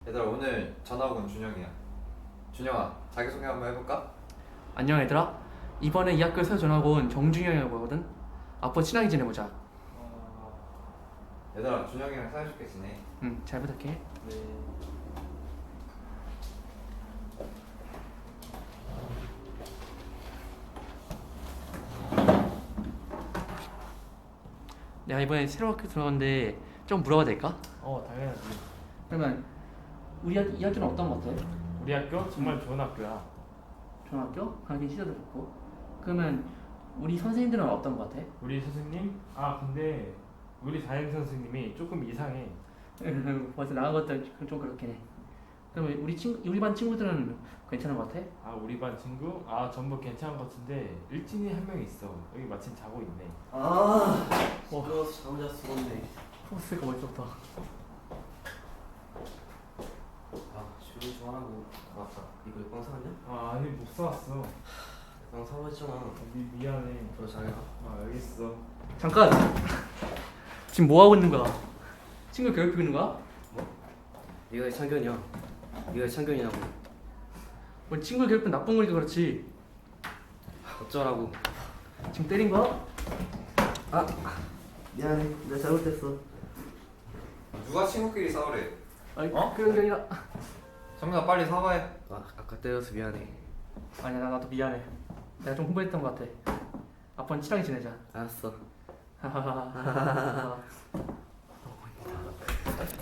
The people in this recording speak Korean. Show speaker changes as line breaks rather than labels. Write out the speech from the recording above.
얘들아, 오늘 전학 온 준영이야. 준영아, 자기소개 한번 해볼까?
안녕 얘들아. 이번에 이 학교에 새로 전학 온 정준영이라고 하거든. 앞으로 친하게 지내보자.
얘들아, 준영이랑 사이좋게 지내.
응, 잘 부탁해.
네.
내가 이번에 새로 학교 들어갔는데 좀 물어봐도 될까?
당연하지.
그러면 이 학교는 어떤 것 같아?
우리 학교 정말 좋은 학교야.
좋은 학교? 가긴 시설도 좋고. 그러면 우리 선생님들은 어떤 것 같아?
우리 선생님? 근데 우리 담임 선생님이 조금 이상해.
벌써 나간 것도 좀 그렇긴 해. 그러면 우리 반 친구들은 괜찮은 것 같아?
우리 반 친구? 전부 괜찮은 것 같은데 일진이 한 명 있어. 여기 마침 자고 있네.
시끄러워서 잠 잤었네.
포스가 멋있었다.
조용히 좀 하라고. 맞다. 이거 빵 사왔냐?
아니 못 사왔어.
빵 사고 했잖아.
미안해.
너 잘가.
알겠어.
잠깐! 지금 뭐 하고 있는 거야? 친구 괴롭히고 있는 거야?
네가 왜 창균이야? 네가 왜 창균이냐고.
뭐 친구 괴롭히면 나쁜 거니까 그렇지.
어쩌라고.
지금 때린 거야?
미안해. 내가 잘못했어.
누가 친구끼리 싸우래?
아니 그런 게 아니라.
정민아, 빨리 사과해.
아까 때려서 미안해.
아니야, 나도 미안해. 내가 좀 흥분했던 것 같아. 앞으로는 친하게 지내자.
알았어.
하하하하.